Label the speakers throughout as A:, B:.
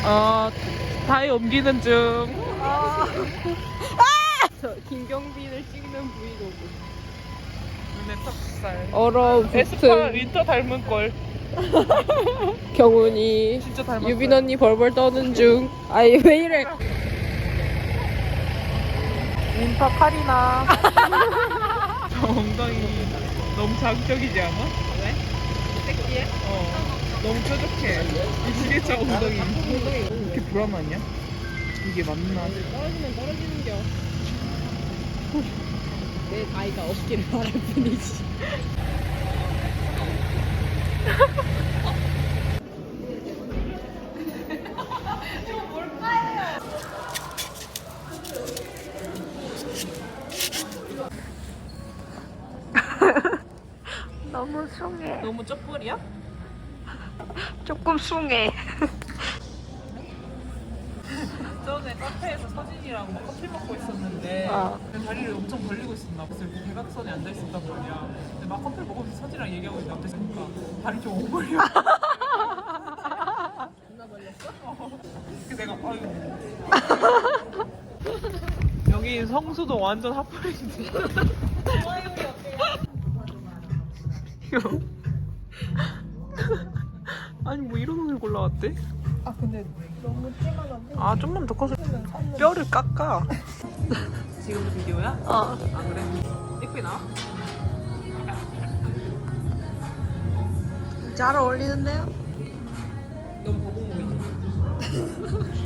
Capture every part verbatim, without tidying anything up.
A: 어, 다이 옮기는 중.
B: 아. 저 김경빈을 찍는 브이로그.
A: 눈에 턱살.
B: 얼어
A: 에스파
B: 붙은
A: 윈터 닮은 꼴.
B: 경훈이
A: 진짜 닮았어.
B: 유빈 언니 벌벌 떠는 중. 아이 왜 이래?
A: 윈터 카리나. 저 엉덩이 너무 자극적이지 않아?
B: 왜? 섹시해?
A: 어. 너무 뾰족해. 이 지게차 엉덩이. 이렇게 불안하냐? 이게 맞나?
B: 떨어지면 떨어지는겨. 내 나이가 없기를 바랄 뿐이지. 너무 숭해.
A: 너무 쩍벌이야?
B: 조금 숭해.
A: 전에 카페에서 서진이랑 막 커피 먹고 있었는데
B: 어.
A: 내 다리를 엄청 벌리고 있었나. 그래서 이렇게 대각선에 앉아 있었단 말이야. 근데 막 커피 먹으면서 서진이랑 얘기하고 있는데 앞에 있으니까 다리 좀 오버려.
B: 누나 걸렸어?
A: 어. 그래서 내가 아이고. 여기 성수도 완전 핫플인데. 이거. 아니 뭐 이런 옷을 골라왔대?
B: 아 근데 너무 찌만한데?
A: 아 좀만 더 커서 뼈를 깎아. 지금 비디오야?
B: 어.
A: 아 그래? 예쁘게 나와?
B: 잘 어울리는데요?
A: 너무 거북목이지?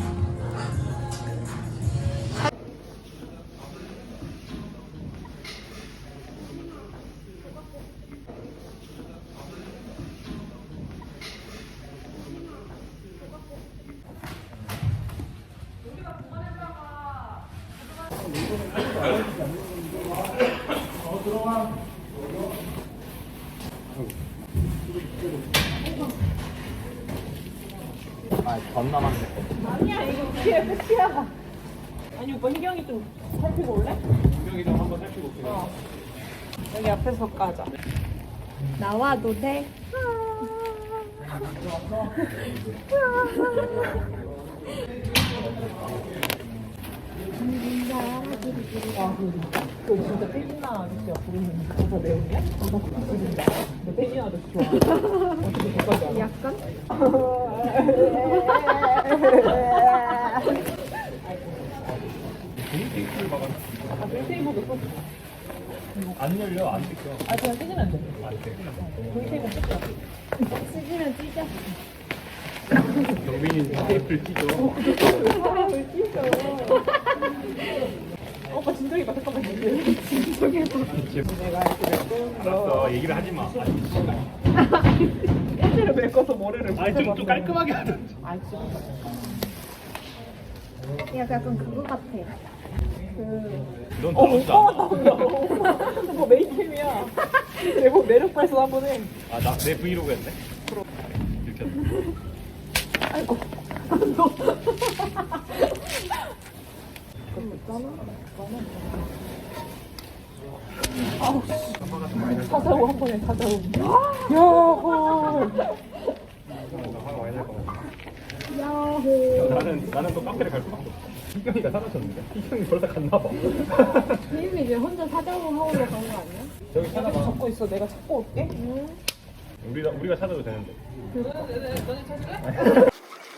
C: 아, 전 남았네.
B: 아니야 이거 뒤에 끝이야. 아니 오빠 희경이 좀 살피고 올래?
C: 분명히 좀 한번 살피고 올게요.
B: 어. 여기 앞에서 까자. 나와도 돼?
A: 그 진짜 태진아 아저씨가 부르는 가사 내용이야? 가사 부르는다. 너 태진아 아저씨 좋아. 어떻게 그까지 알아?
B: 약간?
C: 테이프를 막아.
A: 아, 벨테이블도 썼어.
C: 안 열려, 안 뜯겨.
A: 아, 그냥 쓰지면 돼.
C: 안 돼.
A: 벨테이블 썼어.
B: 쓰지면 찢어.
C: 경빈이 테이프를 찢어.
A: 사람을 찢어. 오빠 진정이 봐, 잠깐만. 진정이 봐. 내가 이렇게 메꿔.
C: 알았어, 얘기를 하지 마.
A: 일대를 메꿔서 머리를
C: 아니, 좀, 좀 깔끔하게 하자.
A: 아, 진짜.
B: 야 약간 그거 같아.
C: 넌
A: 어,
C: 떨어지도
A: 오빠
C: 않아.
A: 나온다. 오빠 메이캠이야. 내가 매력 발산 한번 해.
C: 아, 나, 내 브이로그 했네? 이렇게 했네.
A: 아이고. 너. 아우, 사자고 한 번에 사자고. 야호.
C: 화가 많이 날 것 같아.
B: 야호.
C: 나는, 나는 또 카페를 갈 수밖에 없어. 희경이가 사라졌는데? 희경이 벌써 갔나 봐.
B: 희임이 이제 혼자 사자고 하우러 간 거 아니야?
C: 저기
A: 좀
C: 찾아봐.
A: 잡고 있어. 내가 찾고 올게.
B: 응.
C: 우리가, 우리가 찾아도 되는데.
A: 너네 찾을래?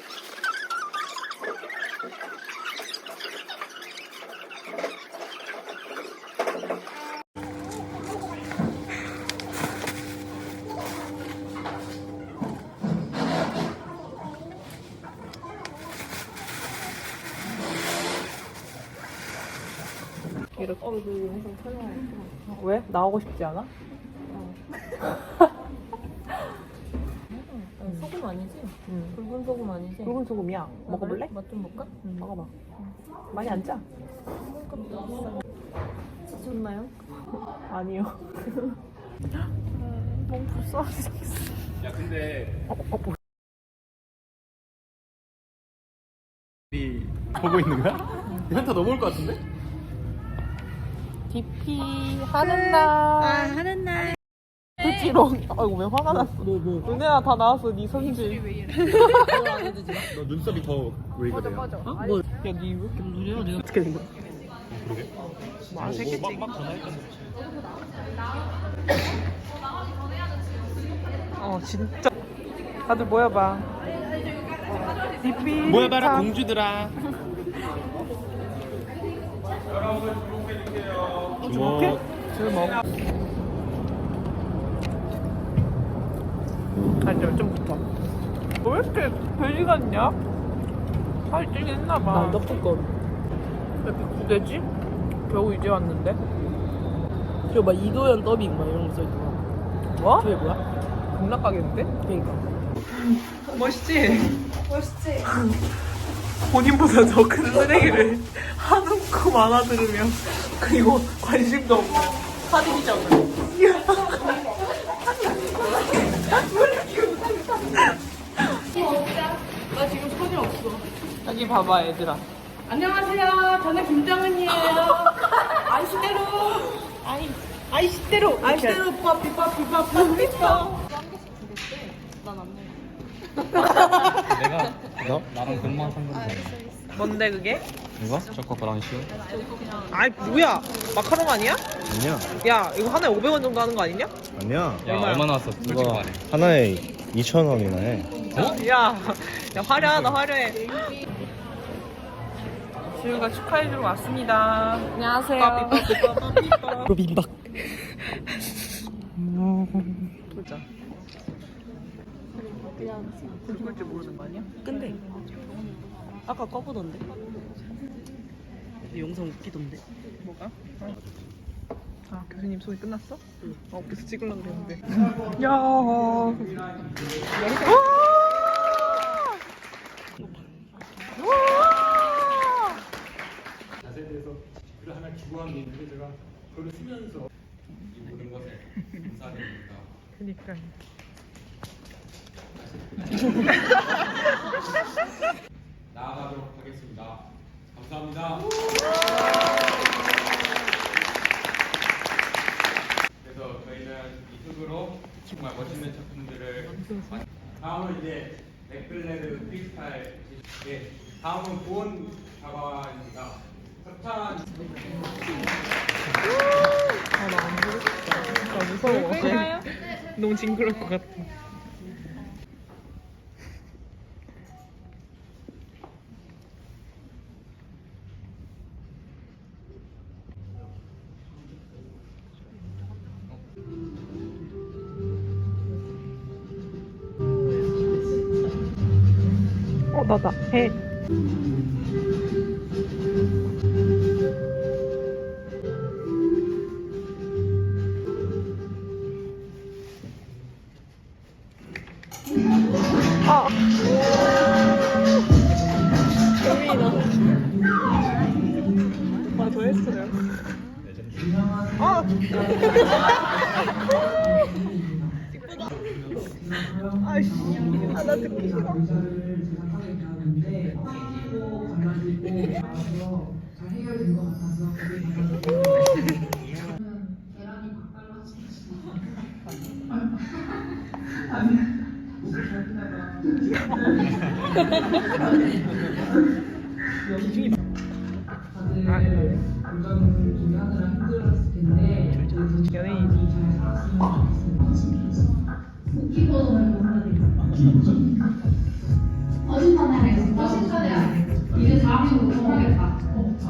A: 이렇게.
B: 어, 너 영상 촬영하고.
A: 왜? 나오고 싶지 않아?
B: 소금 아니지?
A: 응.
B: 붉은 소금 아니지?
A: 붉은 소금이야. 먹어볼래?
B: 맛 좀 볼까?
A: 응, 먹어봐. 많이 안 짜?
B: 지쳤나요?
A: 아니요. 너무 불쌍해.
C: 야, 근데.
A: 어, 어, 뭐.
C: 이 보고 있는 거야? 현타 넘어올 것 같은데?
A: 디피 하는 날.
B: 아, 하는 날. 어지러워. 아이고 왜 화가 났어. 뭐 뭐. 은혜야 다 나왔어 네 성질.
C: 너 눈썹이 더 왜 그래요?
B: 뭐? 야니 왜 이렇게 누려? 내가 어떻게 된 거야?
C: 그러게.
B: 뭐 아시겠지?
C: 막 전화했던
B: 어 진짜. 다들 모여봐. 디피.
C: 모여봐라 공주들아. 주먹.
B: 주먹. 아니 좀 붙어. 왜 이렇게 돼지 같냐? 살이 찌긴 했나봐. 나 떡볶이. 왜 이렇게 구대지? 겨우 이제 왔는데?
D: 저 막 이도현 더빙 막 이런 거 써있더라.
B: 뭐?
D: 저게 뭐야?
B: 극락가게인데?
D: 그니까.
B: 멋있지? 멋있지? 본인보다 더 큰 쓰레기를 한움큼 안아들으며 그리고 관심도 없고 사진이잖아.
D: 나 지금 손이 없어.
B: 여기 봐봐 얘들아.
D: 안녕하세요. 저는 김정은이에요. 아이시대로. 아이, 아이시대로. 아이시대로 빠삐 빠삐 빠삐 빠삐.
C: 내가 너 나랑 금방 산 건데.
B: 뭔데 그게?
C: 이거? 초코 브라운슈?
B: 아이 뭐야 마카롱 아니야?
E: 아니야,
B: 야 이거 하나에 오백 원 정도 하는 거 아니냐?
E: 아니야.
C: 야 얼마 나왔어? 솔직히
E: 이거
C: 말해.
E: 하나에 이천 원이나 해.
B: 야, 야 화려하다 화려해. 지우가 축하해주러 왔습니다. 안녕하세요.
D: 로빈박.
B: 보자. 죽을 줄 모르는 거 아니야?
D: 근데 아까 꺼보던데. 영상 웃기던데.
B: 뭐가? 아 교수님 소리 끝났어? 응. 어 계속 찍으려고 그랬는데. 야. 와.
C: 자세에 대해서 글을 하나 기부한 게 있는데 제가 글을 쓰면서 이 모든 것에 감사드립니다.
B: 그니까.
C: 나아가도록 하겠습니다. 감사합니다. 그래서 저희는 이 흙으로 정말 멋있는 작품들을 만- 다음은 이제 맥블레드 프리스타일. 예, 다음은 고은 작가입니다. 협찬.
B: 아나안 보겠다. 나 무서워. 너무 징그러울 것 같아. 어 나다 해. 아. 재미나. 오빠 더 했어요. 아. 아이씨, 아, 나 듣기 싫어. 연예인.
F: 어신선에 어신선이야. 이제 다음에 못 먹겠다.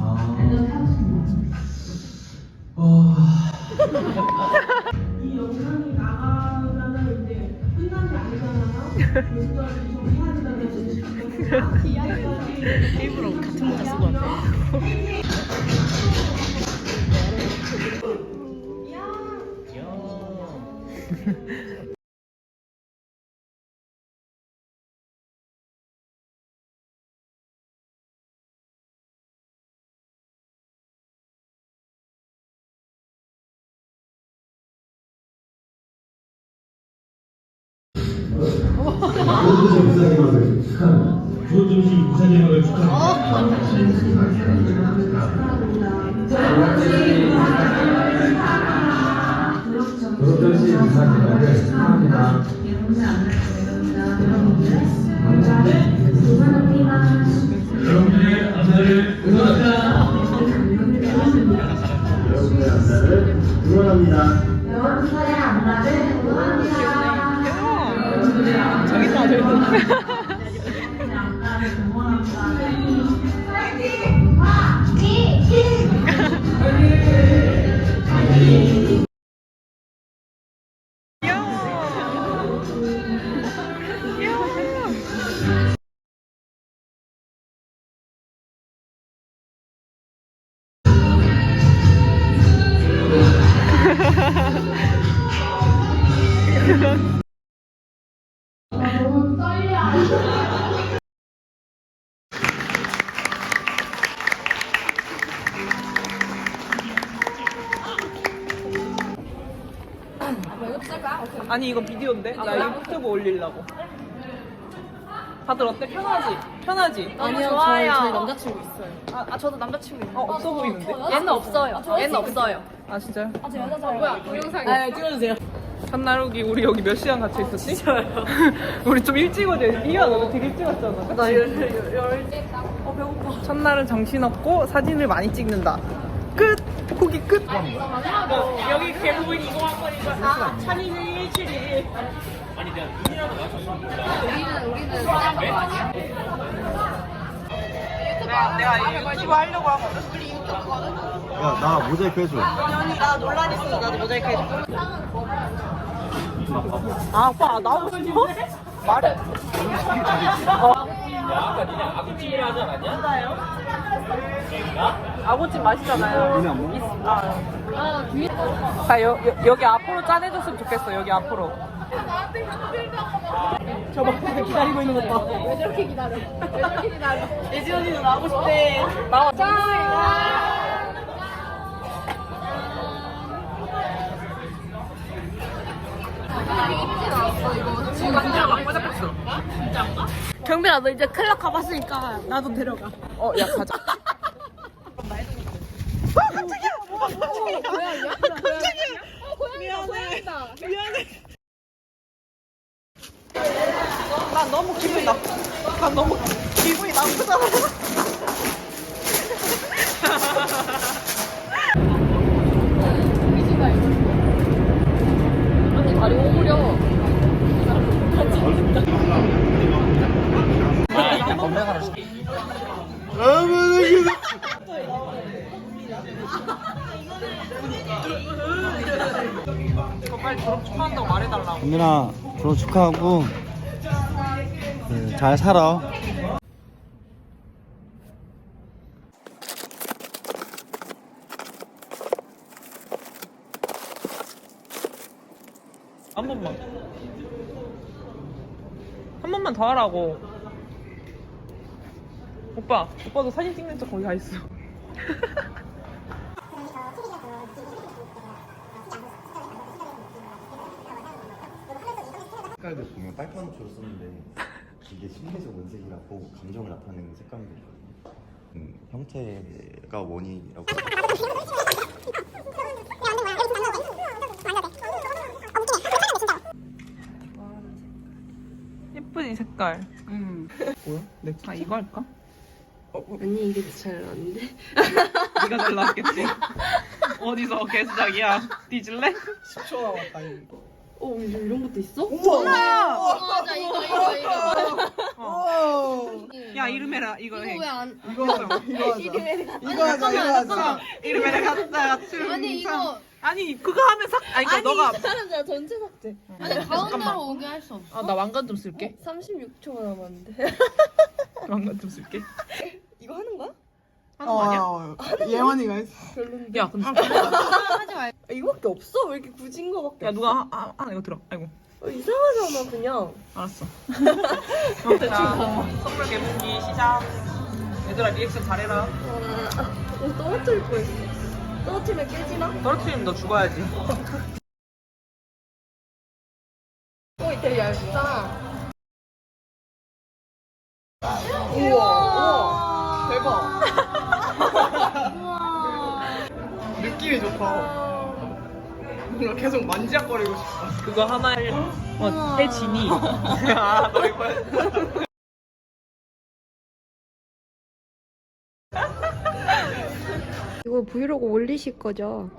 D: 이 영상이 나가면은 이제 끝난 게 아니잖아요. 요즘까지 좀 해야 된다는 이야기까지.
B: 일부러 같은 모자 쓰고 왔네.
G: 좋은 점심 부산 대학을 축하합니다.
F: 그렇죠.
G: 노동시 부사기관을 축하합니다. 여러분들의 감사를 응원합니다. 여러분의 감사를 응원합니다.
F: 여러분들의 안마를 응원합니다.
B: 저기 있다 저기 있다.
F: 파이팅! 파이팅! 너무 떨려.
B: 아니 이거 비디오인데? 나 유튜브 올리려고. 다들 어때? 편하지? 편하지?
H: 아니요, 좋아요. 저희 남자친구 있어요. 아, 아 저도 남자친구 있는데.
B: 어 없어 보이는데?
H: 얘는 없어요. 얘는 없어요.
B: 아 진짜요?
H: 아, 저 여자잖아요. 뭐야, 동영상이.
D: 네, 찍어주세요.
B: 한나루기 우리 여기 몇 시간 같이 있었지? 진짜요? 우리 좀 일찍 오자. 이야 너도 되게 일찍 왔잖아.
D: 나 열, 열,
B: 어 배고파. 첫날은 정신없고 사진을 많이 찍는다. 끝! 후기 끝! 여기 개부인 이거 한 번 이거 아 찬이는 일칠이
H: 우리는, 우리는 그냥 거 아니야?
B: 내가, 내가 유튜브 하려고 하거든.
E: 야, 나 모자이크 해줘.
B: 나 논란 있으면 나도 모자이크 해줘. 아 오빠 나오고 싶어? 말해. 어.
C: 아까 니네 아구찜이라 하지 않았냐?
B: 아구찜 맛있잖아요. 있- 아.
H: 아, 뒤에.
B: 자, 여, 여, 여기 앞으로 짜내줬으면 좋겠어. 여기 앞으로. 저봐 기다리고 있는 것 봐.
H: 왜 저렇게 기다려? 왜 저렇게 기다려?
B: 예진 언니도 나오고 싶대. 나와.
H: 경빈아, 너 이제 클럽 가봤으니까 나도 데려가.
B: 어, 야 가자. 난 너무 기분이 나. 난 너무 기분이 나쁘잖아.
H: 아니, 다리 오므려.
B: 이거 빨리 졸업 축하한다고 말해달라고.
E: 민아, 졸업 축하하고 그, 잘 살아.
B: 한 번만. 한 번만 더 하라고. 오빠, 오빠도 사진 찍는 척 거기 가 있어.
E: 색깔도 보면 빨간색으로 썼는데 이게 심리적 원색이라고 감정을 나타내는 색감이거든요. 음, 형태가 원인이라고.
B: 예쁘지 색깔.
D: 음.
B: 뭐야? 내 아, 이거 할까?
D: 아니, 이게 잘 나왔는데?
B: 네가 잘 나왔겠지. 어디서 개수작이야? 뒤질래?
D: 십 초 남았다, 이거. 어, 요즘 이런 것도 있어?
H: 맞아, 이거, 이거, 이거.
B: 어. 야 이름 해라. 이거 해.
H: 이거 왜 안.
D: 이거 하자, 이거 하자. 이거 하자, 이거 하자.
B: 이름 해라. 갔다. 춤.
H: 아니, 이거.
B: 아니 그거 하면 삭. 아니 그러니까 너가.
D: 사람들 전체 삭제.
H: 아니, 가운데로 오게 할 수 없어.
B: 아 나 왕관 좀 쓸게.
D: 삼십육 초가 남았는데.
B: 왕관 좀 쓸게.
D: 이거 하는 거야?
B: 하는 거 아니야?
D: 예원이가 했어. 별론데.
B: 야 근데.
H: 하지 말고.
D: 이거밖에 없어? 왜 이렇게 굳은 거밖에
B: 야 누가 하, 하, 이거 들어. 아이고.
D: 없어? 이상하잖아, 그냥.
B: 알았어. 자, 선물 개봉기 시작. 얘들아 리액션 잘해라.
D: 와, 어, 떨어뜨릴 뻔했어. 떨어뜨리면 깨지나?
B: 떨어뜨리면 너 죽어야지.
D: 어, 되게 얇다. 우와, 우와, 대박.
H: 우와.
D: 느낌이 좋다.
B: 뭔가 계속 만지작거리고 싶어. 그거 하나에 어, 해지니. 아, 너 이거.
H: 이거 브이로그 올리실 거죠?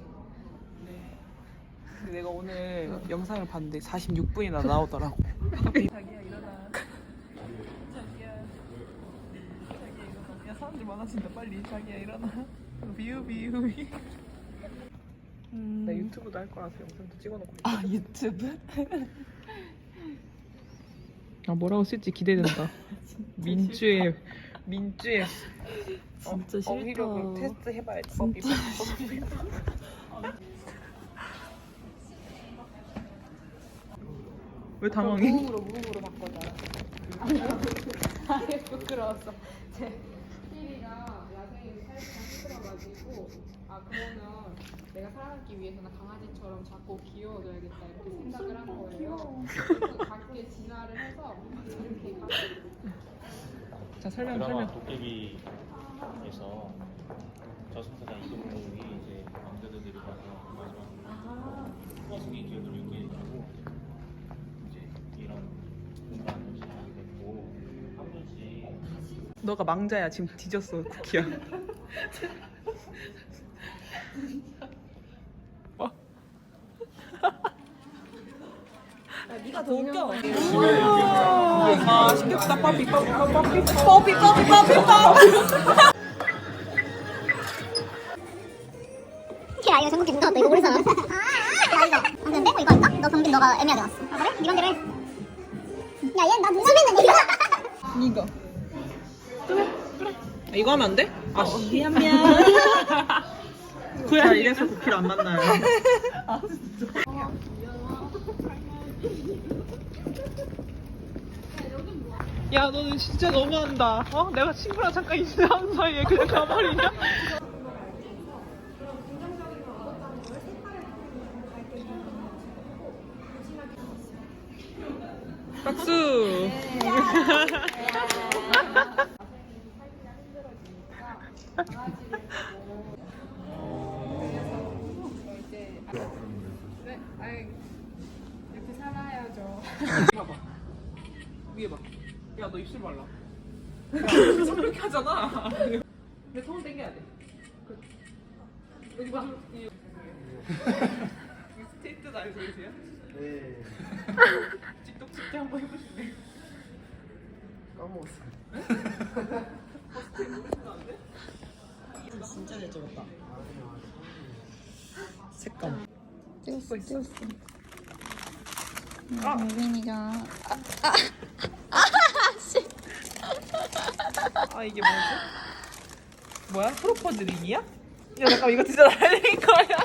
B: 내가 오늘 영상을 봤는데 사십육 분이나 나오더라고. 자기야 일어나. 자기야. 자기야 일어나. 야 사람들 많아진다 빨리. 자기야 일어나. 비우 비우. 음... 나 유튜브도 할 거라서 영상도 찍어놓고. 아 유튜브? 아 뭐라고 쓸지 기대된다. 민주의 민주의
D: 진짜 싫다.
B: 어휘력을 테스트 해봐야지.
D: 진짜
B: 왜 당황해?
H: 무음으로 무음으로 바꿔줘. 아예 부끄러웠어. 제 피리가 야생이 살짝 힘들어가지고 아 그러면 내가 살아남기 위해서는 강아지처럼 자꾸 귀여워져야겠다 이렇게 생각을 한 거예요. 그래서 작게 진화를 해서 이렇게 가-
B: 자 설명
I: 드라마
B: 설명.
I: 도깨비에서 저승사자 이동욱이 이제 왕자들이 가서 마지막 허승이 기억을 잃게 되고 이제 이런 공간을 시작하게 됐고 한 번씩
B: 너가 망자야 지금 뒤졌어 쿠키야. 어?
H: 네가 더 웃겨.
B: 아 시켰다 빠삐 빠삐 빠삐 빠삐 빠삐 빠삐 빠삐.
J: 야 이거 전국 계속 나왔다 이거 모르잖아. 아 야 이거 방금 빼고 이거 할까? 너 경빈 너가 애매하게 왔어. 아 그래? 네 맘대로 해. 야얘나 눈썹 있는 이거.
B: 이거 그래 그래. 아, 이거 하면 안 돼? 아 어, 미안 미안. 그래 이래서 쿠키를 안 만나요. 아 진짜. 야 너는 진짜 너무한다. 어? 내가 친구랑 잠깐 인사하는 사이에 그냥 가버리냐? 박수.
H: 네, 아이 이렇게 살아야죠.
B: 봐봐. 위에 봐. 야 너 입술 발라. 야 손 이렇게 하잖아. 근데 손 당겨야 돼. 그, 여기 봐. 이 스테이트 알고 계세요? 네. 틱톡 찍기 한번 해보실래요? 까먹었어.
D: 진짜 잘 찍었다. 색감.
H: 찍었어 찍었어.
B: 아.
H: 유빈이가
B: 아 이게 뭐지? 뭐야? 프로포즈 링이야? 야 잠깐 이거 진짜 날린 거야.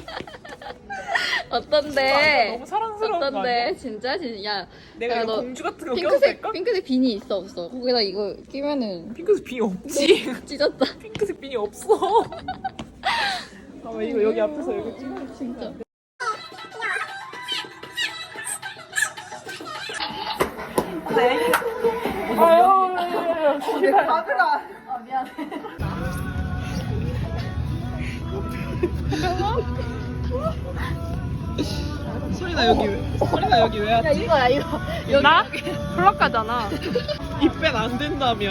H: 어떤데?
B: 너무 사랑스러운 거 아니야?
H: 어떤데? 진짜 진짜 야
B: 내가
H: 야,
B: 이거
H: 너
B: 공주 같은 거 껴도
H: 핑크색
B: 될까?
H: 핑크색 비니 있어 없어? 거기다 이거 끼면은
B: 핑크색 빈이 없지.
H: 찢었다.
B: 핑크색 빈이 없어. 아 왜 이거 여기 앞에서 이렇게 찍어?
H: 진짜.
B: 아유, 진짜 가드라.
H: 아 미안해.
B: 소리나 여기 왜? 소리나 여기 왜
H: 야
B: 왔지?
H: 이거야 이거. 여기
B: 나?
H: 플럭가잖아.
B: 입뺀 안 된다며.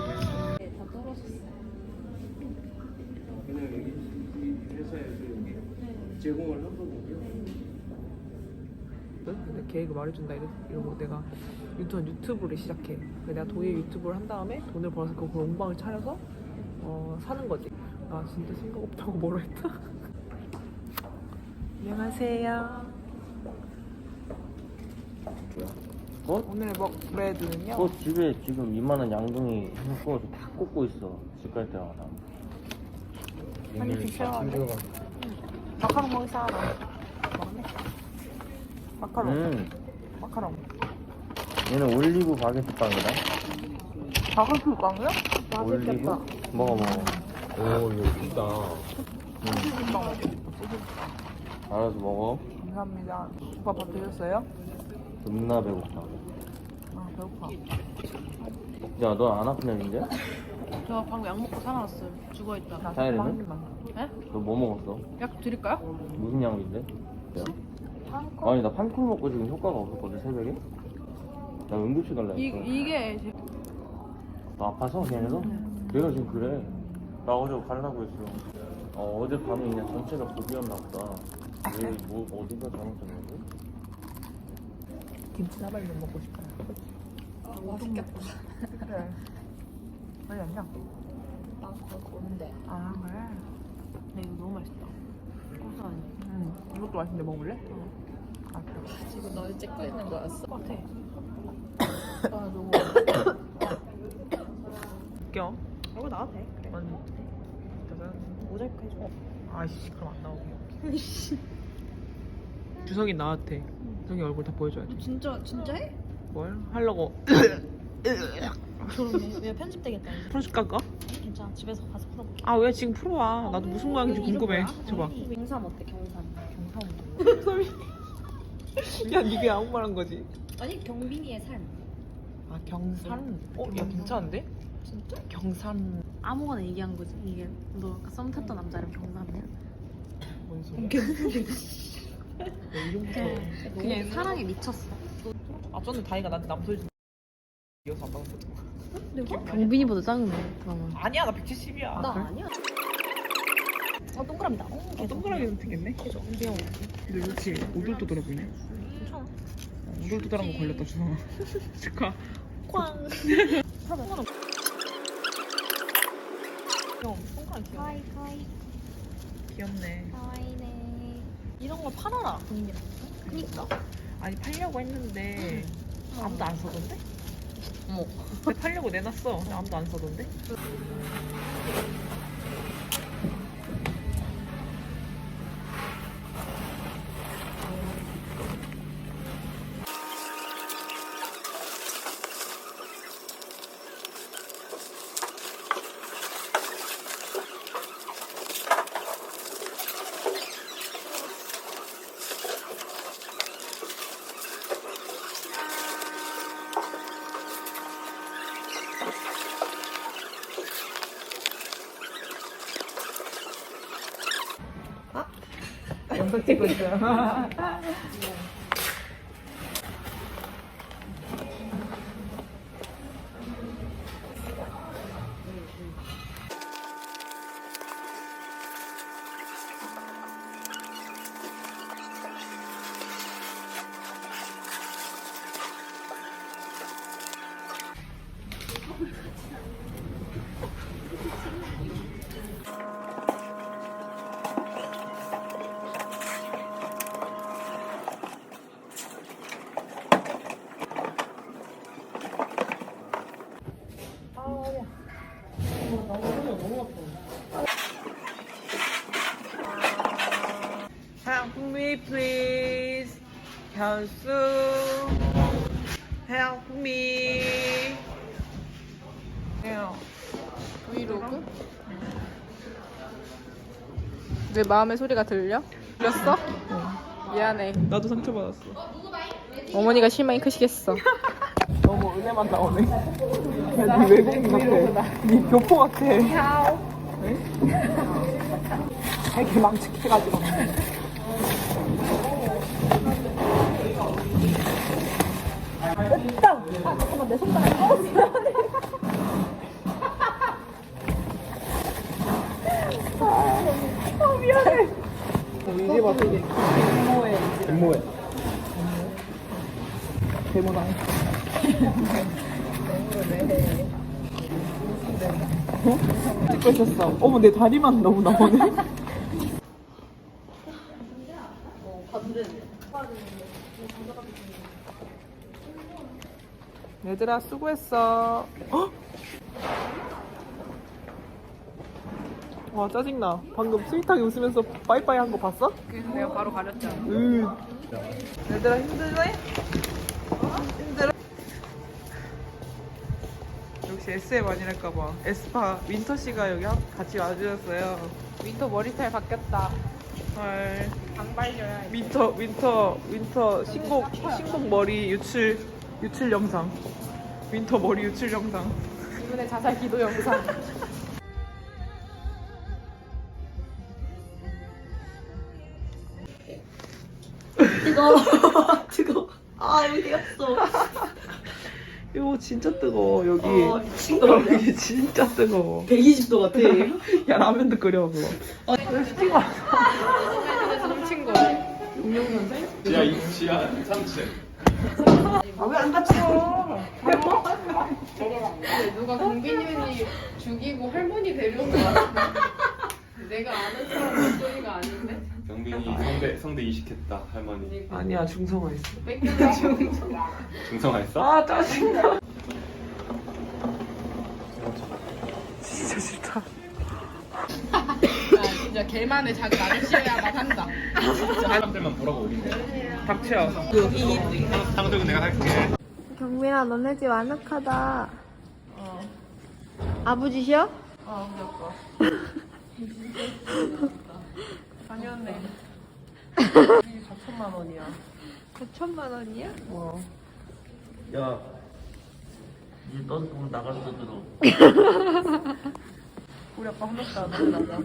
B: 근데 계획을 말해준다 이러- 이러고 내가 유튜브, 유튜브를 시작해. 근데 내가 도예 유튜브를 한 다음에 돈을 벌어서 그 공방을 차려서 어, 사는 거지. 아 진짜 생각 없다고 뭐라 했다. 안녕하세요.
I: 뭐?
B: 오늘의 먹 브레드는요.
I: 너 집에 지금 이만한 양동이 구워서 다 꽂고 있어. 집 갈 때마다.
B: 아니 드셔. 마카롱 먹을 사람. 먹네. 마카롱.
I: 음,
B: 마카롱.
I: 얘는 올리브 바게트 빵이다.
B: 바가스 빵이요?
I: 올리브? 먹어 먹어.
C: 오 이거 진짜
I: 알아서 먹어.
B: 감사합니다. 오빠 밥 드셨어요?
I: 겁나 배고파.
B: 아 배고파.
I: 야, 너 안 아픈 애인데?
D: 저 방금 약 먹고 살아났어요. 죽어있다.
B: 나
I: 사이렌은?
B: 한 입만.
D: 네?
I: 너 뭐 먹었어?
D: 약 드릴까요?
I: 무슨 약인데? 야. 아니 나 판콜 먹고 지금 효과가 없었거든 새벽에. 나 응급실 갈라
D: 이,
I: 했어.
D: 이게 제-
I: 너 아파서 걔네도? 내가 지금 그래. 나 어제 가려고 했어. 어 어제 밤에 그냥 전체가 고비였나 보다. 왜뭐 어디가 잘못됐는지?
B: 김치 나발면 먹고 싶어요.
H: 아, 맛있겠다.
B: 그래. 아니 아니야.
H: 나 그거 오는데.
B: 아 그래.
D: 근데 이거 너무 맛있다. 고소하니.
B: 응. 이것도 맛있는데 먹을래? 아 그래.
H: 지금 너를 찍고 있는 거였어?
D: 같아.
H: 아 너무.
B: 껴.
D: 이거 나와도 돼. 그래.
B: 아니. 짜잔.
D: 모자이크 해줘.
B: 아이씨 그럼 안 나오게. 주석이 나한테. 주석이 얼굴 다 보여줘야 돼.
D: 진짜 진짜 해?
B: 뭘 하려고?
D: 저러네. 왜 편집되겠다. 이제.
B: 프로식 깎아?
D: 괜찮아. 집에서 가서 풀어볼게.
B: 아 왜 지금 풀어와? 나도 무슨 모양인지 궁금해. 줘봐.
D: 경삼 어때? 경삼.
B: 소리. 야 니게 아무 말 한 거지?
D: 아니 경빈이의 삶.
B: 아 경산? 어? 야 괜찮은데?
D: 진짜?
B: 경산
D: 아무거나 얘기한 거지. 이게 너 아까 썸 탔던 남자랑 경삼이야?
B: 뭔 소리야? 야, 이름부터
D: 그냥 사랑에 미쳤어.
B: 아 전에 다이가 나한테 남소리 좀 이어서 안 받았거든.
D: 경빈이보다 작네. 그러면.
B: 아니야 나 백칠십이야.
D: 나 아니야. 어 동그라미다. 어,
B: 아, 동그라미 선택했네?
D: 계속 귀여워.
B: 근데 그렇지 오돌토돌해 보이네.
D: 괜찮아.
B: 어, 오돌토돌한 거 걸렸다 주성아. 축하.
D: 꽝.
B: 귀여워. 손가락 귀여워.
J: 가이 가이
B: 귀엽네.
J: 가이네.
D: 이런 거 팔아라. 경빈이랑.
B: 그니까. 아니 팔려고 했는데 아무도 안 사던데?
D: 어머.
B: 근데 팔려고 내놨어. 근데 아무도 안 사던데? 영상 찍고 있어요. Help me please. 현수. Help me.
H: 브이로그? 내 마음의 소리가 들려? 들렸어? 미안해.
B: 나도 상처받았어.
H: 어머니가 실망이 크시겠어.
B: 너무 은혜만 나오네. 야, 니 외국인 같아. 니 교포 같아. 되게 망측해가지고. 이제 봤어. 갯모에. 갯모에. 데모당. 찍고 있었어. 어머 내 다리만 너무 나오네. 얘들아 수고했어. 헉! 와 짜증나. 방금 스윗하게 웃으면서 빠이빠이 한 거 봤어?
H: 내가 바로 가렸잖아.
B: 으. 얘들아 힘들네? 힘들어? 역시 에스엠 아니랄까봐. 에스파 윈터 씨가 여기 한- 같이 와주셨어요.
H: 윈터 머리 스타일 바뀌었다.
B: 헐.
H: 장발려야 해.
B: 윈터 윈터 윈터 신곡 신곡 머리 유출 유출 영상. 윈터 머리 유출 영상.
H: 이분의 자살 기도 영상.
D: 뜨거워. 뜨거워. 아 여기 갔어.
B: 이거 진짜 뜨거워 여기.
D: 어, 미친 거 아니야?
B: 여기 진짜 뜨거워.
D: 백이십 도 같아.
B: 야 라면도 끓여 그거. 아 이거 시킨 거 아니야?
H: 훔친 거예요.
B: 용영 선생?
C: 지하 이 지하 삼 층.
B: 아왜 안 다쳐?
H: 근데 누가 공빈이 죽이고 할머니 데려온 거 같은데? 내가 아는 사람 목소리가 아닌데?
C: 경빈이 성대 성대 이식했다 할머니.
B: 아니야 중성화했어.
H: 뺏겨가지고
C: 중성화했어?
B: 아 짜증나. 진짜 싫다.
H: 야 진짜 걔만의 자기 아저씨야만 한다.
C: 사람들만 보라고 올린대.
B: 닥쳐.
C: 상득은 내가 할게.
J: 경민아 너네 집 아늑하다. 아버지셔?
B: 아 우리 아빠. 당연해. 이게 사천만 원이야.
J: 사천만 원이야?
B: 어.
I: 야, 이제 너도 보면 나갈 수 들어.
B: 우리 아빠 한 명도 안 올라가.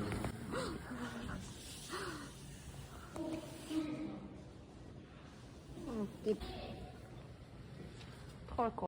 B: 털 거.